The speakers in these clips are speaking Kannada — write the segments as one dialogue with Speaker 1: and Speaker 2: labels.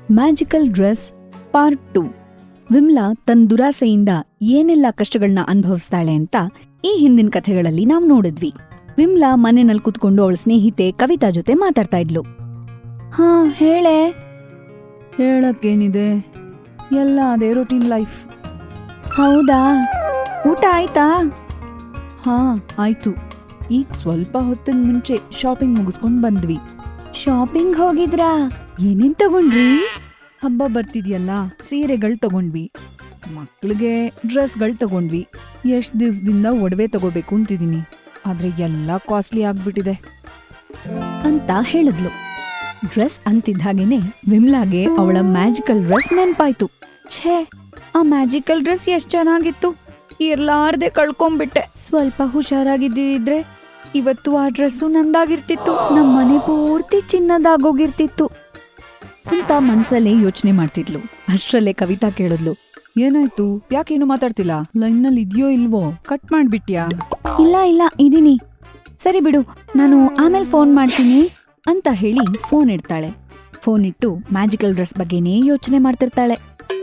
Speaker 1: Magical dress part 2. ವಿಮ್ಲಾ ತನ್ನ ದುರಾಸೆಯಿಂದ ಏನೆಲ್ಲ ಕಷ್ಟಗಳನ್ನ ಅನುಭವಿಸ್ತಾಳೆ ಅಂತ ಈ ಹಿಂದಿನ ಕಥೆಗಳಲ್ಲಿ ನಾವ್ ನೋಡಿದ್ವಿ. ವಿಮ್ಲಾ ಮನೆಯಲ್ಲಿ ಕುತ್ಕೊಂಡು ಅವಳ ಸ್ನೇಹಿತೆ ಕವಿತಾ ಜೊತೆ ಮಾತಾಡ್ತಾ ಇದ್ಲು. ಹಾ ಹೇಳೆ.
Speaker 2: ಹೇಳಕ್ಕೇನಿದೆ, ಎಲ್ಲ ಅದೇ ರೂಟೀನ್ ಲೈಫ್.
Speaker 1: ಹೌದಾ, ಊಟ ಆಯ್ತಾ?
Speaker 2: ಹಾ ಆಯ್ತು, ಈಗ ಸ್ವಲ್ಪ ಹೊತ್ತಿನ ಮುಂಚೆ ಶಾಪಿಂಗ್ ಮುಗಿಸ್ಕೊಂಡ್ ಬಂದ್ವಿ.
Speaker 1: ಶಾಪಿಂಗ್ ಹೋಗಿದ್ರಾ? ಏನೇನ್ ತಗೊಂಡ್ರಿ?
Speaker 2: ಹಬ್ಬ ಬರ್ತಿದ್ಯಲ್ಲ, ಸೀರೆಗಳು ತಗೊಂಡ್ವಿ, ಮಕ್ಳಿಗೆ ಡ್ರೆಸ್ಗಳು ತಗೊಂಡ್ವಿ. ಎಷ್ಟ್ ದಿವ್ಸದಿಂದ ಒಡವೆ ತಗೋಬೇಕು ಅಂತಿದೀನಿ, ಆದ್ರೆ ಎಲ್ಲ ಕಾಸ್ಟ್ಲಿ ಆಗ್ಬಿಟ್ಟಿದೆ
Speaker 1: ಅಂತ ಹೇಳಿದ್ಲು. ಡ್ರೆಸ್ ಅಂತಿದ್ದ ಹಾಗೇನೆ ವಿಮ್ಲಾಗೆ ಅವಳ ಮ್ಯಾಜಿಕಲ್ ಡ್ರೆಸ್ ನೆನ್ಪಾಯ್ತು. ಛೇ, ಆ ಮ್ಯಾಜಿಕಲ್ ಡ್ರೆಸ್ ಎಷ್ಟ್ ಚೆನ್ನಾಗಿತ್ತು, ಇರ್ಲಾರ್ದೆ ಕಳ್ಕೊಂಡ್ಬಿಟ್ಟೆ. ಸ್ವಲ್ಪ ಹುಷಾರಾಗಿದ್ದಿದ್ರೆ ಇವತ್ತು ಆ ಡ್ರೆಸ್ಸು ನಂದಾಗಿರ್ತಿತ್ತು, ನಮ್ ಮನೆ ಪೂರ್ತಿ ಚಿನ್ನದಾಗೋಗಿರ್ತಿತ್ತು ಅಂತ ಮನ್ಸಲ್ಲೇ ಯೋಚನೆ ಮಾಡ್ತಿದ್ಲು. ಅಷ್ಟ್ರಲ್ಲೇ ಕವಿತಾ ಕೇಳಿದ್ಲು.
Speaker 2: ಏನಾಯ್ತು, ಯಾಕೇನು ಮಾತಾಡ್ತಿಲ್ಲ? ಲೈನ್ನಲ್ಲಿ ಇದ್ಯೋ ಇಲ್ವೋ, ಕಟ್ ಮಾಡ್ಬಿಟ್ಯಾ?
Speaker 1: ಇಲ್ಲ ಇದೀನಿ, ಸರಿ ಬಿಡು, ನಾನು ಆಮೇಲೆ ಫೋನ್ ಮಾಡ್ತೀನಿ ಅಂತ ಹೇಳಿ ಫೋನ್ ಇಡ್ತಾಳೆ. ಫೋನ್ ಇಟ್ಟು ಮ್ಯಾಜಿಕಲ್ ಡ್ರೆಸ್ ಬಗ್ಗೆನೇ ಯೋಚನೆ ಮಾಡ್ತಿರ್ತಾಳೆ.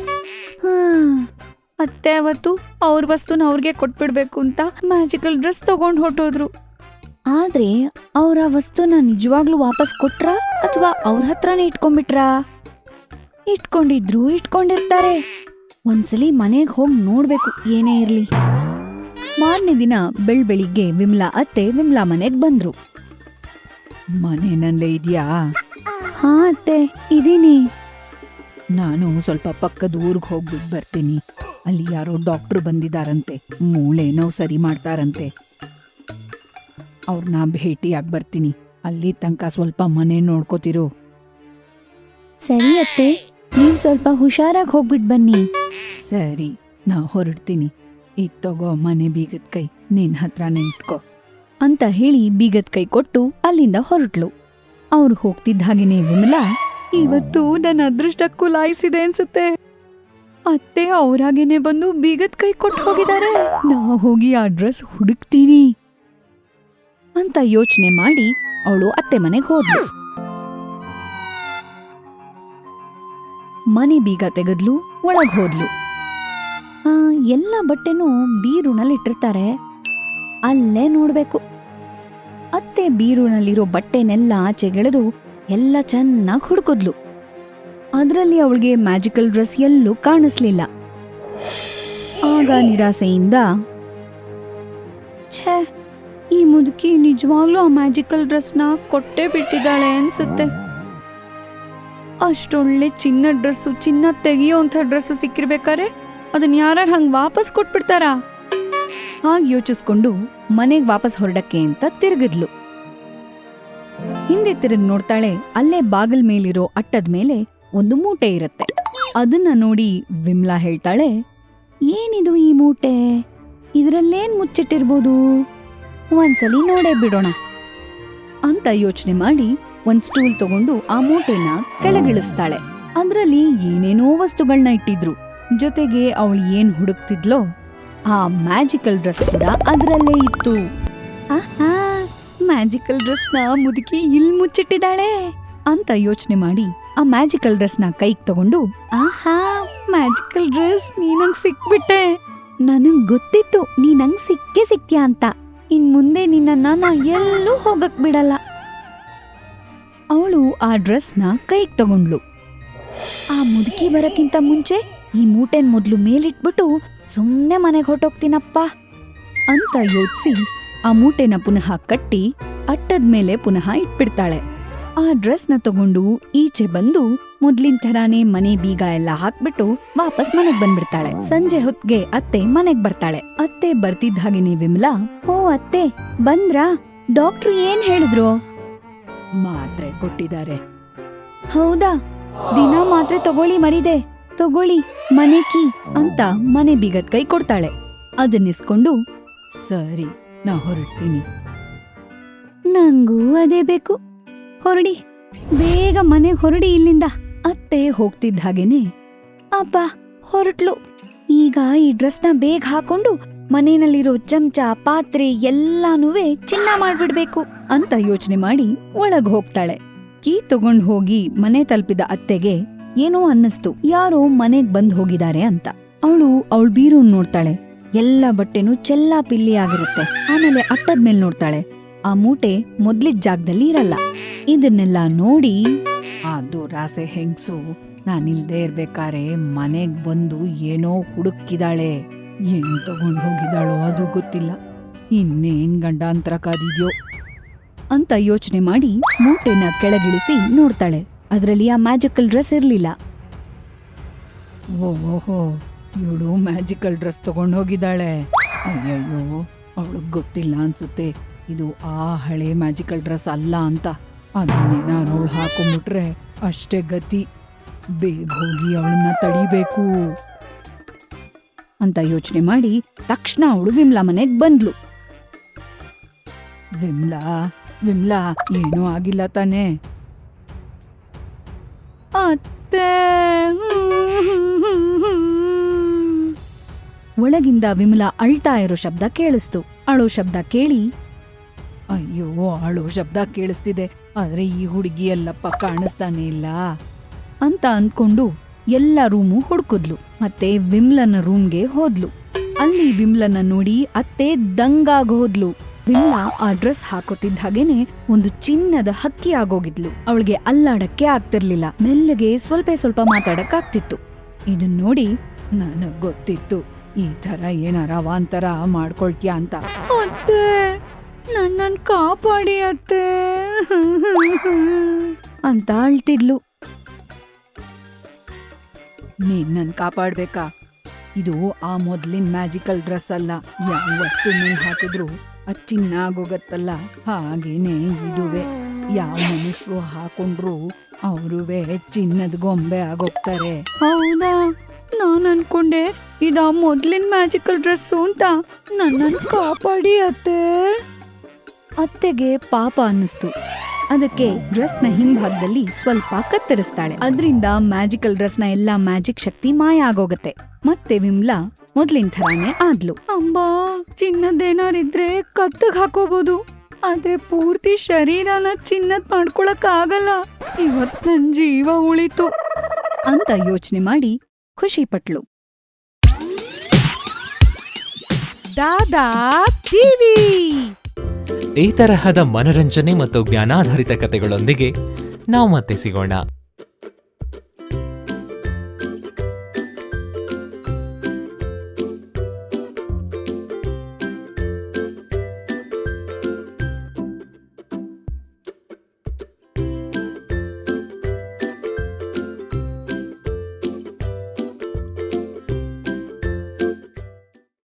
Speaker 1: ಅತ್ತೆ ಅವತ್ತು ಅವ್ರ ವಸ್ತುನ ಅವ್ರಿಗೆ ಕೊಟ್ಬಿಡ್ಬೇಕು ಅಂತ ಮ್ಯಾಜಿಕಲ್ ಡ್ರೆಸ್ ತಗೊಂಡ್ ಹೊಟ್ಟೋದ್ರು. ಆದ್ರೆ ಅವ್ರ ವಸ್ತುನ ನಿಜವಾಗ್ಲೂ ವಾಪಸ್ ಕೊಟ್ರಾ ಅಥವಾ ಅವ್ರ ಹತ್ರನೇ ಇಟ್ಕೊಂಡ್ಬಿಟ್ರಾ? ಇಟ್ಕೊಂಡಿರ್ತಾರೆ. ಒಂದ್ಸಲಿ ಮನೆಗ್ ಹೋಗಿ ನೋಡ್ಬೇಕು ಏನೇ ಇರ್ಲಿ. ಮಾರನೇ ದಿನ ಬೆಳಿಗ್ಗೆ ವಿಮ್ಲಾ ಅತ್ತೆ ವಿಮ್ಲಾ ಮನೆಗ್ ಬಂದ್ರು.
Speaker 2: ಮನೆನಲ್ಲೇ ಇದ್ಯಾ?
Speaker 1: ಹಾ ಅತ್ತೆ, ಇದೀನಿ.
Speaker 2: ನಾನು ಸ್ವಲ್ಪ ಪಕ್ಕದ ಊರ್ಗ್ ಹೋಗ್ಬಿಟ್ಟು ಬರ್ತೀನಿ. ಅಲ್ಲಿ ಯಾರೋ ಡಾಕ್ಟ್ರು ಬಂದಿದಾರಂತೆ, ಮೂಳೆ ನೋವು ಸರಿ ಮಾಡ್ತಾರಂತೆ. ಅವ್ರನ್ನ ಭೇಟಿಯಾಗಿ ಬರ್ತೀನಿ. ಅಲ್ಲಿ ತನಕ ಸ್ವಲ್ಪ ಮನೆ ನೋಡ್ಕೋತಿರು.
Speaker 1: ಸರಿ ಅತ್ತೆ, ನೀವ್ ಸ್ವಲ್ಪ ಹುಷಾರಾಗಿ ಹೋಗ್ಬಿಟ್ ಬನ್ನಿ.
Speaker 2: ಸರಿ, ನಾ ಹೊರಡ್ತೀನಿ. ಇದ್ ತಗೋ ಮನೆ ಬೀಗದ ಕೈ, ನಿನ್ ಹತ್ರನೇ ಇಟ್ಕೋ
Speaker 1: ಅಂತ ಹೇಳಿ ಬೀಗದ ಕೈ ಕೊಟ್ಟು ಅಲ್ಲಿಂದ ಹೊರಟ್ಲು. ಅವ್ರು ಹೋಗ್ತಿದ್ದ ಹಾಗೇನೆ ವಿಮಲಾ, ಇವತ್ತು ನನ್ನ ಅದೃಷ್ಟಕ್ಕೂ ಲಾಯಿಸಿದೆ ಅನ್ಸುತ್ತೆ. ಅತ್ತೆ ಅವ್ರಾಗೇನೆ ಬಂದು ಬೀಗದ ಕೈ ಕೊಟ್ಟು ಹೋಗಿದ್ದಾರೆ. ನಾ ಹೋಗಿ ಆ ಡ್ರೆಸ್ ಹುಡುಕ್ತೀನಿ ಅಂತ ಯೋಚನೆ ಮಾಡಿ ಅವಳು ಅತ್ತೆ ಮನೆಗೆ ಹೋದ್ಲು. ಮನೆ ಬೀಗ ತೆಗೆದ್ಲು, ಒಳಗ್ ಹೋದ್ಲು. ಎಲ್ಲ ಬಟ್ಟೆನೂ ಬೀರುನಲ್ಲಿಟ್ಟಿರ್ತಾರೆ, ಅಲ್ಲೇ ನೋಡ್ಬೇಕು. ಅತ್ತೆ ಬೀರುನಲ್ಲಿರೋ ಬಟ್ಟೆನೆಲ್ಲ ಆಚೆಗೆಳೆದು ಎಲ್ಲ ಚೆನ್ನಾಗಿ ಹುಡುಕಿದ್ಲು. ಅದ್ರಲ್ಲಿ ಅವಳಿಗೆ ಮ್ಯಾಜಿಕಲ್ ಡ್ರೆಸ್ ಎಲ್ಲೂ ಕಾಣಿಸ್ಲಿಲ್ಲ. ಆಗ ನಿರಾಸೆಯಿಂದ, ಛೇ, ಈ ಮುದುಕಿ ನಿಜವಾಗ್ಲೂ ಆ ಮ್ಯಾಜಿಕಲ್ ಡ್ರೆಸ್ನ ಕೊಟ್ಟೇ ಬಿಟ್ಟಿದ್ದಾಳೆ ಅನ್ಸುತ್ತೆ. ಅಷ್ಟೊಳ್ಳೆ ಚಿನ್ನ ಡ್ರೆಸ್ಸು, ಚಿನ್ನ ತೆಗಿಯೋಂಥ ಡ್ರೆಸ್ಸು ಸಿಕ್ಕಿರ್ಬೇಕಾರೆ ಅದನ್ನ ಯಾರು ಹಂಗ್ ವಾಪಸ್ ಕೊಟ್ಬಿಡ್ತಾರಾ? ಹಾಗೆ ಯೋಚಿಸ್ಕೊಂಡು ಮನೆಗ್ ವಾಪಸ್ ಹೊರಡಕ್ಕೆ ಅಂತ ತಿರುಗಿದ್ಲು. ಹಿಂದೆ ತಿರುಗಿ ನೋಡ್ತಾಳೆ, ಅಲ್ಲೇ ಬಾಗಿಲ್ ಮೇಲಿರೋ ಅಟ್ಟದ ಮೇಲೆ ಒಂದು ಮೂಟೆ ಇರತ್ತೆ. ಅದನ್ನ ನೋಡಿ ವಿಮ್ಲಾ ಹೇಳ್ತಾಳೆ, ಏನಿದು ಈ ಮೂಟೆ? ಇದ್ರಲ್ಲೇನ್ ಮುಚ್ಚಿಟ್ಟಿರ್ಬೋದು? ಒಂದ್ಸಲಿ ನೋಡೇ ಬಿಡೋಣ ಅಂತ ಯೋಚನೆ ಮಾಡಿ ಒಂದ್ ಸ್ಟೂಲ್ ತಗೊಂಡು ಆ ಮೂಟೆನ ಕೆಳಗಿಳಿಸ್ತಾಳೆ. ಅದ್ರಲ್ಲಿ ಏನೇನೋ ವಸ್ತುಗಳನ್ನ ಇಟ್ಟಿದ್ರು. ಜೊತೆಗೆ ಅವಳು ಏನ್ ಹುಡುಕ್ತಿದ್ಲೋ ಆ ಮ್ಯಾಜಿಕಲ್ ಡ್ರೆಸ್ ಕೂಡ ಅದ್ರಲ್ಲೇ ಇತ್ತು. ಆಹಾ, ಮ್ಯಾಜಿಕಲ್ ಡ್ರೆಸ್ನ ಮುದುಕಿ ಇಲ್ ಮುಚ್ಚಿಟ್ಟಿದ್ದಾಳೆ ಅಂತ ಯೋಚನೆ ಮಾಡಿ ಆ ಮ್ಯಾಜಿಕಲ್ ಡ್ರೆಸ್ನ ಕೈಗ್ ತಗೊಂಡು, ಆಹಾ, ಮ್ಯಾಜಿಕಲ್ ಡ್ರೆಸ್, ನೀನಂಗ್ ಸಿಕ್ಬಿಟ್ಟೆ. ನನಗ್ ಗೊತ್ತಿತ್ತು ನೀನಂಗ್ ಸಿಕ್ಕೇ ಸಿಕ್ತ್ಯಾ ಅಂತ. ಇನ್ ಮುಂದೆ ನಿನ್ನನ್ನ ನಾ ಎಲ್ಲೂ ಹೋಗಕ್ ಬಿಡಲ್ಲ. ಅವಳು ಆ ಡ್ರೆಸ್ನ ಕೈಗ್ ತಗೊಂಡ್ಲು. ಆ ಮುದುಕಿ ಬರಕ್ಕಿಂತ ಮುಂಚೆ ಈ ಮೂಟೆನ್ ಮೊದ್ಲು ಮೇಲಿಟ್ಬಿಟ್ಟು ಸುಮ್ನೆ ಮನೆಗೆ ಹೊಟ್ಟೋಗ್ತೀನಪ್ಪ ಅಂತ ಯೋಚಿಸಿ ಆ ಮೂಟೆನ ಪುನಃ ಕಟ್ಟಿ ಅಟ್ಟದ ಮೇಲೆ ಪುನಃ ಇಟ್ಬಿಡ್ತಾಳೆ. ಆ ಡ್ರೆಸ್ನ ತಗೊಂಡು ಈಚೆ ಬಂದು ಮೊದ್ಲಿನ ಥರಾನೇ ಮನೆ ಬೀಗ ಎಲ್ಲ ಹಾಕ್ಬಿಟ್ಟು ವಾಪಸ್ ಮನೆಗ್ ಬಂದ್ಬಿಡ್ತಾಳೆ. ಸಂಜೆ ಹೊತ್ಗೆ ಅತ್ತೆ ಮನೆಗ್ ಬರ್ತಾಳೆ. ಅತ್ತೆ ಬರ್ತಿದ್ದ ಹಾಗೇನೆ ವಿಮಲಾ, ಓ ಅತ್ತೆ ಬಂದ್ರಾ? ಡಾಕ್ಟ್ರು ಏನ್ ಹೇಳಿದ್ರು?
Speaker 2: ಮಾತ್ರೆ ಕೊಟ್ಟಿದ್ದಾರೆ.
Speaker 1: ಹೌದಾ? ದಿನ ಮಾತ್ರೆ ತಗೊಳ್ಳಿ ಮರಿದೆ, ತಗೊಳ್ಳಿ ಮನೆ ಕೀ ಅಂತ ಮನೆ ಬೀಗದ ಕೈ ಕೊಡ್ತಾಳೆ. ಅದನ್ನಿಸ್ಕೊಂಡು,
Speaker 2: ಸರಿ, ನಾ ಹೊರಡ್ತೀನಿ.
Speaker 1: ನಂಗೂ ಅದೇ ಬೇಕು, ಹೊರಡಿ, ಬೇಗ ಮನೆಗೆ ಹೊರಡಿ ಇಲ್ಲಿಂದ. ಅತ್ತೆ ಹೋಗ್ತಿದ್ದ ಹಾಗೇನೆ, ಅಪ್ಪ ಹೊರಟ್ಲು, ಈಗ ಈ ಡ್ರೆಸ್ನ ಬೇಗ ಹಾಕೊಂಡು ಮನೆಯಲ್ಲಿರೋ ಚಮಚ ಪಾತ್ರೆ ಎಲ್ಲಾನುವೆ ಚಿನ್ನ ಮಾಡ್ಬಿಡ್ಬೇಕು ಅಂತ ಯೋಚನೆ ಮಾಡಿ ಒಳಗ್ ಹೋಗ್ತಾಳೆ. ಕೀ ತಗೊಂಡ್ ಹೋಗಿ ಮನೆ ತಲುಪಿದ ಅತ್ತೆಗೆ ಏನೋ ಅನ್ನಿಸ್ತು, ಯಾರೋ ಮನೆಗ್ ಬಂದ್ ಹೋಗಿದ್ದಾರೆ ಅಂತ. ಅವಳ ಬೀರೂನ್ ನೋಡ್ತಾಳೆ, ಎಲ್ಲ ಬಟ್ಟೆನೂ ಚೆಲ್ಲಾಪಿಲ್ಲಿ ಆಗಿರುತ್ತೆ. ಆಮೇಲೆ ಅಟ್ಟದ ಮೇಲ್ ನೋಡ್ತಾಳೆ, ಆ ಮೂಟೆ ಮೊದ್ಲಿದ್ ಜಾಗದಲ್ಲಿ ಇರಲ್ಲ. ಇದನ್ನೆಲ್ಲ ನೋಡಿ
Speaker 2: ಆ ದುರಾಸೆ ಹೆಂಗ್ಸು ನಾನಿಲ್ದೇ ಇರ್ಬೇಕಾರೆ ಮನೆಗ್ ಬಂದು ಏನೋ ಹುಡುಕಿದಾಳೆ. ಏನ್ ತಗೊಂಡ್ ಹೋಗಿದಾಳೋ ಅದು ಗೊತ್ತಿಲ್ಲ. ಇನ್ನೇನ್ ಗಂಡಾಂತರ ಕಾದಿದ್ಯೋ
Speaker 1: ಅಂತ ಯೋಚನೆ ಮಾಡಿ ಮೂಟೆನ ಕೆಳಗಿಳಿಸಿ ನೋಡ್ತಾಳೆ. ಅದ್ರಲ್ಲಿ ಆ ಮ್ಯಾಜಿಕಲ್ ಡ್ರೆಸ್ ಇರ್ಲಿಲ್ಲ.
Speaker 2: ಓಹೋ, ಇವಳು ಮ್ಯಾಜಿಕಲ್ ಡ್ರೆಸ್ ತಗೊಂಡ್ ಹೋಗಿದ್ದಾಳೆ. ಅಯ್ಯಯ್ಯೋ, ಅವಳಿಗೆ ಗೊತ್ತಿಲ್ಲ ಅನ್ಸುತ್ತೆ ಇದು ಆ ಹಳೆ ಮ್ಯಾಜಿಕಲ್ ಡ್ರೆಸ್ ಅಲ್ಲ ಅಂತ. ಅದನ್ನೇನಾರು ಅವಳು ಹಾಕೊಂಡ್ಬಿಟ್ರೆ ಅಷ್ಟೇ ಗತಿ. ಬೇಗ ಹೋಗಿ ಅವಳನ್ನ ತಡಿಬೇಕು
Speaker 1: ಅಂತ ಯೋಚನೆ ಮಾಡಿ ತಕ್ಷಣ ಅವಳು ವಿಮ್ಲಾ ಮನೆಗ್ ಬಂದ್ಲು.
Speaker 2: ವಿಮ್ಲಾ ಏನೂ ಆಗಿಲ್ಲ ತಾನೇ?
Speaker 1: ಅತ್ತೆ. ಒಳಗಿಂದ ವಿಮಲಾ ಅಳ್ತಾ ಇರೋ ಶಬ್ದ ಕೇಳಿಸ್ತು. ಅಳೋ ಶಬ್ದ ಕೇಳಿ,
Speaker 2: ಅಯ್ಯೋ, ಅಳು ಶಬ್ದ ಕೇಳಿಸ್ತಿದೆ, ಆದ್ರೆ ಈ ಹುಡುಗಿ ಎಲ್ಲಪ್ಪ ಕಾಣಿಸ್ತಾನೆ ಇಲ್ಲ
Speaker 1: ಅಂತ ಅಂದ್ಕೊಂಡು ಎಲ್ಲ ರೂಮು ಹುಡುಕಿದ್ಲು. ಮತ್ತೆ ವಿಮ್ಲನ ರೂಮ್ಗೆ ಹೋದ್ಲು. ಅಲ್ಲಿ ವಿಮ್ಲನ ನೋಡಿ ಅತ್ತೆ ದಂಗಾಗ್ ಹೋದ್ಲು. ವಿಮ್ಲಾ ಆ ಡ್ರೆಸ್ ಹಾಕೋತಿದ್ದ ಹಾಗೇನೆ ಒಂದು ಚಿನ್ನದ ಹಕ್ಕಿ ಆಗೋಗಿದ್ಲು. ಅವಳಿಗೆ ಅಲ್ಲಾಡಕ್ಕೆ ಆಗ್ತಿರ್ಲಿಲ್ಲ, ಮೆಲ್ಲಗೆ ಸ್ವಲ್ಪ ಮಾತಾಡಕ್ ಆಗ್ತಿತ್ತು.
Speaker 2: ಇದನ್ ನೋಡಿ ನನಗ್ ಗೊತ್ತಿತ್ತು ಈ ತರ ಏನಾರ ಅವಾಂತರ ಮಾಡ್ಕೊಳ್ತೀಯ ಅಂತ.
Speaker 1: ಅತ್ತೆ, ನನ್ನನ್ ಕಾಪಾಡಿ ಅತ್ತೆ ಅಂತ ಅಳ್ತಿದ್ಲು.
Speaker 2: ನೀನ್ ನನ್ ಕಾಪಾಡ್ಬೇಕಾ? ಇದು ಆ ಮೊದ್ಲಿನ ಮ್ಯಾಜಿಕಲ್ ಡ್ರೆಸ್ ಅಲ್ಲ. ಯಾವ ವಸ್ತು ಮೇಲ್ ಹಾಕಿದ್ರು ಅದ್ ಚಿನ್ನ ಆಗೋಗತ್ತಲ್ಲ, ಹಾಗೇನೆ ಇದುವೆ. ಯಾವ ಮನುಷ್ಯರು ಹಾಕೊಂಡ್ರು ಅವ್ರುವೆ ಚಿನ್ನದ ಗೊಂಬೆ ಆಗೋಗ್ತಾರೆ.
Speaker 1: ಹೌದಾ? ನಾನ್ ಅನ್ಕೊಂಡೆ ಇದ ಮೊದ್ಲಿನ ಮ್ಯಾಜಿಕಲ್ ಡ್ರೆಸ್ಸು ಅಂತ. ನನ್ನನ್ ಕಾಪಾಡಿ ಅತ್ತೆ. ಅತ್ತೆಗೆ ಪಾಪ ಅನ್ನಿಸ್ತು. ಅದಕ್ಕೆ ಡ್ರೆಸ್ನ ಹಿಂಭಾಗದಲ್ಲಿ ಸ್ವಲ್ಪ ಕತ್ತರಿಸ್ತಾಳೆ. ಅದ್ರಿಂದ ಮ್ಯಾಜಿಕಲ್ ಡ್ರೆಸ್ನ ಎಲ್ಲಾ ಮ್ಯಾಜಿಕ್ ಶಕ್ತಿ ಮಾಯ ಆಗೋಗತ್ತೆ. ಮತ್ತೆ ವಿಮ್ಲಾ ಮೊದ್ಲಿನ ಥರಾನೇ ಆದ್ಲು. ಅಂಬಾ, ಚಿನ್ನದೇನಾರಿದ್ರೆ ಕತ್ತಗ್ ಹಾಕೋಬಹುದು, ಆದ್ರೆ ಪೂರ್ತಿ ಶರೀರನ ಚಿನ್ನದ್ ಮಾಡ್ಕೊಳಕ್ ಆಗಲ್ಲ. ಇವತ್ ನನ್ ಜೀವ ಉಳಿತು ಅಂತ ಯೋಚನೆ ಮಾಡಿ ಖುಷಿ ಪಟ್ಲು.
Speaker 3: ದಾದಾ ಟಿವಿ
Speaker 4: ಈ ತರಹದ ಮನರಂಜನೆ ಮತ್ತು ಜ್ಞಾನಾಧಾರಿತ ಕಥೆಗಳೊಂದಿಗೆ ನಾವು ಮತ್ತೆ ಸಿಗೋಣ.